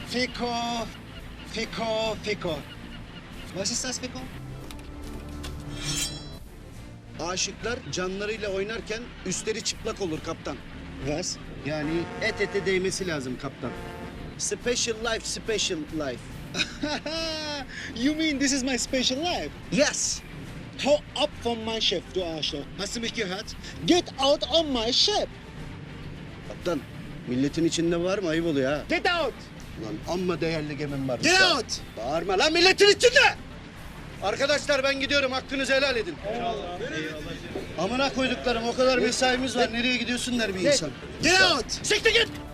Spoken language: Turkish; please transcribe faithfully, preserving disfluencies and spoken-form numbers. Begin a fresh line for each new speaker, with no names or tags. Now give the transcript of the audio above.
Fico, Fico, Fico. Was ist das, Fico?
Aşıklar canlarıyla oynarken üstleri çıplak olur kaptan.
Was?
Yani et ete değmesi lazım kaptan. Special life, special life.
You mean this is my special life?
Yes.
Hau ab von meinem Schiff, du Arschloch. Hast du mich gehört? Get out on my ship.
Kaptan, milletin içinde var mı? Ayıp oluyor ha.
Get out.
Lan amma değerli gemim var.
Get out.
Bağırma lan milletin içinde! Arkadaşlar ben gidiyorum, hakkınızı helal edin. Amına koyduklarım, o kadar mesaimiz var. Nereye gidiyorsun der bir insan.
Get out.
Siktir git!